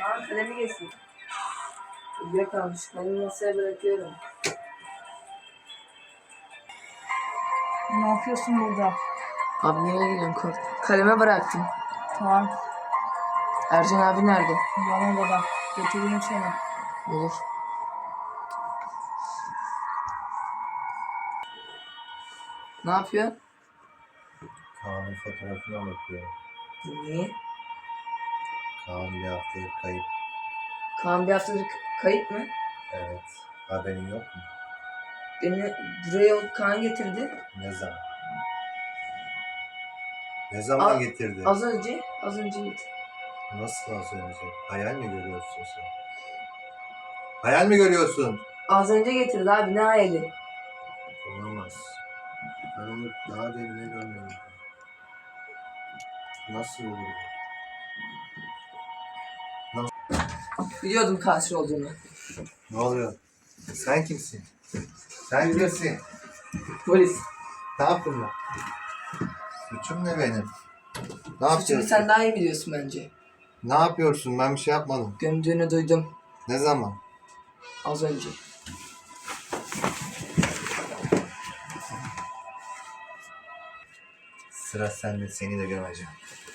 Aa, kalemi geçsin. Uyuya kalmış. Kalemi masaya bırakıyorum. Ne yapıyorsun burada? Abi nereye gidiyorsun? Kaleme bıraktım. Tamam. Ercan abi nerede? Yan odada. Getireyim seni. Olur. Ne yapıyor? Kaan'ın fotoğrafına bakıyor. Niye? Kaan bir haftadır kayıp. Kaan bir haftadır kayıp mı? Evet. Haberin yok mu? Beni buraya Kaan getirdi. Ne zaman? Ne zaman getirdi? Az önce getirdi. Nasıl az önce? Hayal mi görüyorsun sen? Hayal mi görüyorsun? Az önce getirdi abi, ne hayali? Olamaz. Ben onu daha derine görmedim. Nasıl olur? Biliyordum kanser olduğunu. Ne oluyor? Sen kimsin? Sen kimsin? Polis. Ne yaptım ben? Suçum ne benim? Ne Suçunu yapıyorsun? sen daha iyi biliyorsun bence. Ne yapıyorsun? Ben bir şey yapmadım. Gömdüğünü duydum Ne zaman? az önce. Sıra sende, seni de gömeceğim.